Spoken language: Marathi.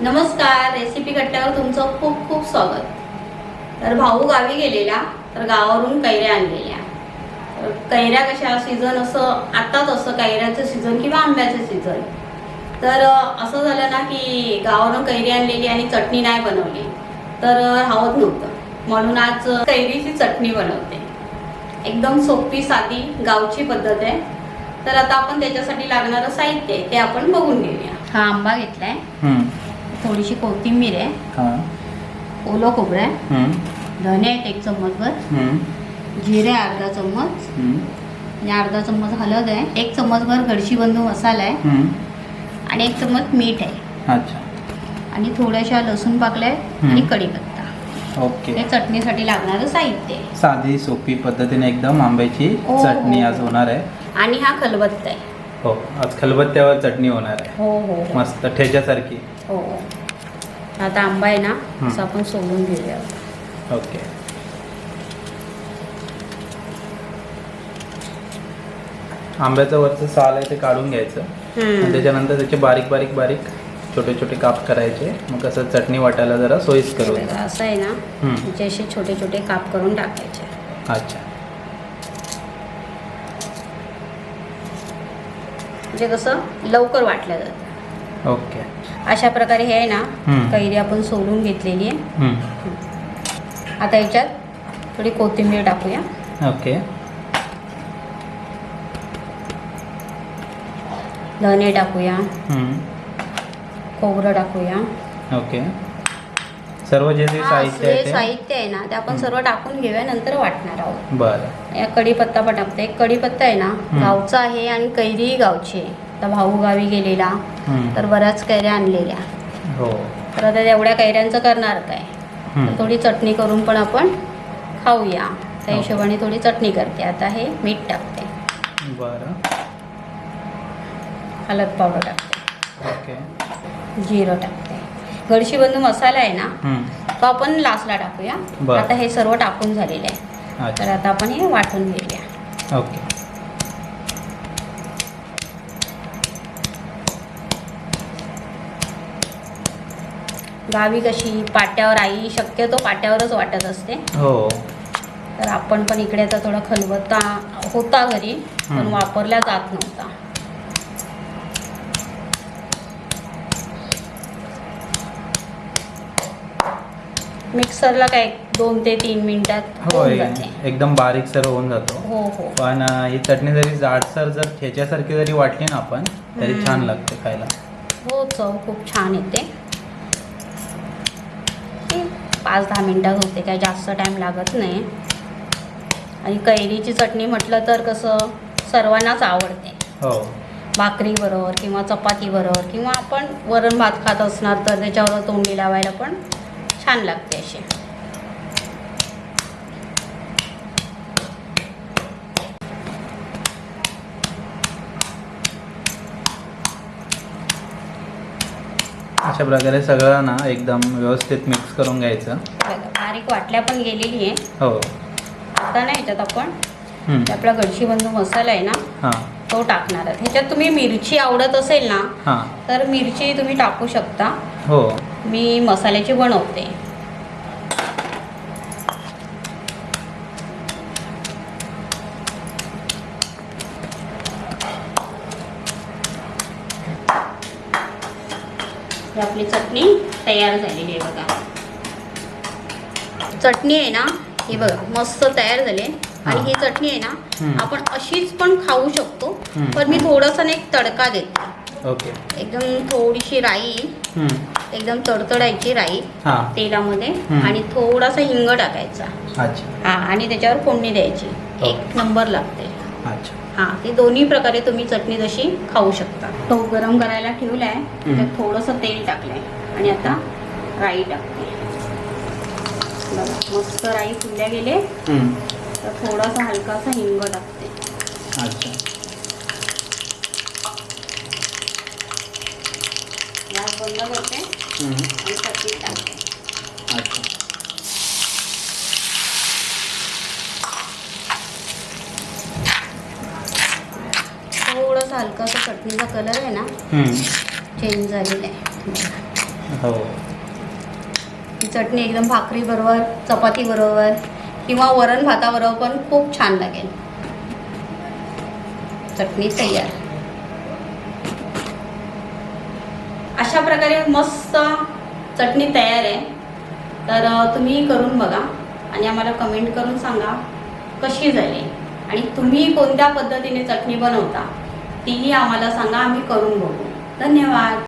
नमस्कार, रेसिपी कट्ट्यावर तुमचं खूप खूप स्वागत। तर भाऊ गावी गेलेला, तर गावावरून कैऱ्या आणलेल्या। तर कैऱ्या कशा सीझन असं आताच असं कैऱ्याचं सीझन किंवा आंब्याचं सीझन। तर असं झालं ना की गावावरून कैरी आणलेली आणि चटणी नाही बनवली तर राहत नव्हतं, म्हणून आज कैरीची चटणी बनवते। एकदम सोपी साधी गावची पद्धत आहे। तर आता आपण त्याच्यासाठी लागणारं साहित्य ते आपण बघून घेऊया। हा आंबा घेतलाय, थोडीशी कोथिंबीर आहे, ओलं खोबरं आहे, धने आहेत 1 चम्मचभर, जिरे अर्धा चम्मच, आणि अर्धा चम्मच हळद आहे, 1 चम्मचभर गडशीबंधू मसाला आहे, आणि 1 चम्मच मीठ आहे। अच्छा, आणि थोड्याशा लसूण पाकल्या आणि कढीपत्ता। ओके, हे चटणीसाठी लागणारं साहित्य आहे। साधी सोपी पद्धतीने एकदम आंब्याची चटणी आज होणार आहे। आणि हा खलबत्ता आहे। हो, आज खलबत्त्यावर चटणी होणार आहे। हो, मस्त ठेच्यासारखी। हो, आता आंबा आहे ना, असं आपण सोलून घेऊया। ओके, आंब्याचं वरचं साल आहे ते काढून घ्यायचं, आणि त्याच्यानंतर त्याचे बारीक बारीक बारीक छोटे छोटे काप करायचे। मग कसं चटणी वाटायला जरा सोयीस्कर होईल। असं आहे ना, म्हणजे असे छोटे छोटे काप करून टाकायचे। अच्छा, म्हणजे कसं लवकर वाटलं जातं। ओके, अशा प्रकारे हे आहे ना, कैरी आपण सोलून घेतलेली आहे। आता याच्यात थोडी कोथिंबीर टाकूया। ओके, धने टाकूया, खोबरं टाकूया। ओके, सर्व जे साहित्य आहे ते साहित्य आहे ना ते आपण सर्व टाकून घेऊया, नंतर वाटणार आहोत। बरं, या कढीपत्ता पण टाकते। कढीपत्ता आहे ना गावचा आहे आणि कैरी गावची आहे। तर भाऊ गावी गेलेला, तर बऱ्याच कैऱ्या आणलेल्या। हो, तर आता एवढ्या कैऱ्यांचं करणार काय, तर थोडी चटणी करून पण आपण खाऊया, त्या हिशोबाने थोडी चटणी करते। आता हे मीठ टाकते, बरं, हळद पावडर टाकते, ओके, जिरं टाकते। गडशीबंधू मसाला आहे ना तो आपण लास्टला टाकूया। आता हे सर्व टाकून झालेलं आहे, तर आता आपण हे वाटून घेऊया। ओके, गावी कशी पाट्यावर, आई शक्यतो पाट्यावरच वाटत असते। हो, तर आपण पण इकडे आता थोडा खलबत्ता होता घरी, पण वापरला जात नव्हता। मिक्सरला काय 2 ते 3 मिनिटात होऊन जाते, एकदम बारीक सर होऊन जातो। हो हो, पण ही चटणी जरी जाडसर जर ठेच्यासारखी जरी वाटली ना आपण, तरी छान लागते खायला। हो, चव खूप छान येते। 5-10 मिनिटात होते, काय जास्त टाइम लागत नाही। आणि कैरीची चटणी म्हटलं तर कसं सर्वांनाच आवडते। हो, भाकरी बरोबर किंवा चपाती बरोबर, किंवा आपण वरण भात खात असणार तर त्याच्यावर तोंडी लावायला पण छान लागते अशी। अशा प्रकारे सगळं ना एकदम व्यवस्थित मिक्स करून घ्यायचं। बारीक वाटल्या पण गेलेली आहे। हो, आता नाही ह्याच्यात आपण आपला गडशीबंधू मसाला आहे ना तो टाकणार आहे। ह्याच्यात तुम्ही मिरची आवडत असेल ना तर मिरची तुम्ही टाकू शकता। हो, मी मसाल्याची बनवते। आपली चटणी तयार झालेली आहे बघा। चटणी आहे ना ही बघा मस्त तयार झाली। आणि ही चटणी आहे ना आपण अशीच पण खाऊ शकतो, पण मी थोडंसं एक तडका देते। ओके, एकदम थोडीशी राई, एकदम तडतडायची राई तेलामध्ये, आणि थोडासा हिंग टाकायचा। अच्छा, आणि त्याच्यावर फोडणी द्यायची, 1 नंबर लागते। अच्छा, ते दोन्ही प्रकारे तुम्ही चटणी तशी खाऊ शकता। तो गरम करायला ठेवलाय, त्यात थोडंसं तेल टाकलंय, आणि आता राई टाकते बघा। मस्त राई फुलल्या गेले तर थोडासा हलकासा हिंग टाकते। अच्छा, गॅस बंद करते आणि चटणी टाकते। अच्छा, थोडासा हलकासा चटणीचा कलर आहे ना चेंज झालेला आहे। हो. ही चटणी एकदम भाकरी बरोबर, चपाती बरोबर किंवा वरण भाताबरोबर पण खूप छान लागेल. चटणी तयार. अशा प्रकारे मस्त चटणी तयार आहे. तर तुम्ही करून बघा आणि आम्हाला कमेंट करून सांगा कशी झाली आणि तुम्ही कोणत्या पद्धतीने चटणी बनवता तीही आम्हाला सांगा, आम्ही करून बघू. धन्यवाद.